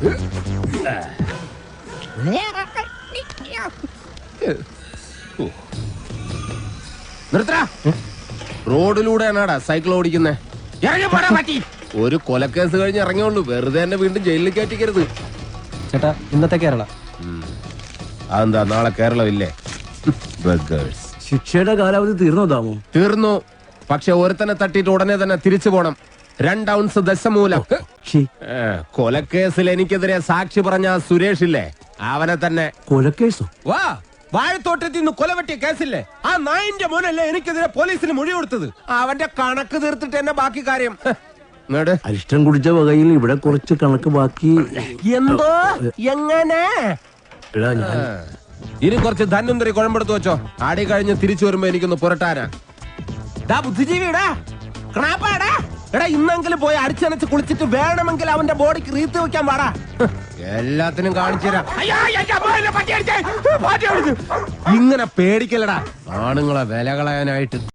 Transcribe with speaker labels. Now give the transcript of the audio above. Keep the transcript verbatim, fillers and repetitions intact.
Speaker 1: നിർത്തടാ. റോഡിലൂടെയാണാടാ സൈക്കിൾ ഓടിക്കുന്നേ. ഒരു കൊലക്കേസ് കഴിഞ്ഞ് ഇറങ്ങിയുള്ളൂ, വെറുതെ എന്നെ വീണ്ടും ജയിലിൽ കയറ്റിക്കരുത്.
Speaker 2: ചേട്ടാ ഇന്നത്തെ കേരള
Speaker 1: അതെന്താ നാളെ കേരളമില്ലേ?
Speaker 3: ശിക്ഷയുടെ കാലാവധി തീർന്നോ താമോ?
Speaker 1: തീർന്നു. പക്ഷെ ഒരുത്തനെ തട്ടിയിട്ട് ഉടനെ തന്നെ തിരിച്ചു പോണം. രണ്ട് ഔൺസ് ദശമൂലം. കൊലക്കേസിൽ എനിക്കെതിരെ സാക്ഷി പറഞ്ഞ സുരേഷ് ഇല്ലേ, അവനെ തന്നെ.
Speaker 3: കൊലക്കേസോ?
Speaker 1: വാ, വാഴത്തോട്ടത്തിൽ നിന്ന് കൊലവെട്ടിയ കേസില്ലേ, ആ നായിന്റെ മോനല്ലേ എനിക്കെതിരെ പോലീസിന് മൊഴി കൊടുത്തത്. അവന്റെ കണക്ക് തീർത്തിട്ട് എന്നെ ബാക്കി കാര്യം.
Speaker 3: അരിഷ്ടം കുടിച്ച വകയിൽ ഇവിടെ കുറച്ച് കണക്ക് ബാക്കി.
Speaker 1: എന്തോ എങ്ങനെ? ഇനി കുറച്ച് ധന്വന്തരി കുഴമ്പെടുത്ത് വെച്ചോ. ആടി കഴിഞ്ഞ് തിരിച്ചു വരുമ്പോ എനിക്കൊന്ന് പുരട്ടാനാ. ബുദ്ധിജീവിടാ, ക്രാപ്പാടാ. എടാ ഇന്നെങ്കിലും പോയി അടിച്ചനച്ച് കുളിച്ചിട്ട് വേണമെങ്കിൽ അവന്റെ ബോഡിക്ക് റീത്ത് വെക്കാൻ പാടാ. എല്ലാത്തിനും കാണിച്ചു തരാം. ഇങ്ങനെ പേടിക്കലടാ ആണുങ്ങളെ വില കളയാനായിട്ട്.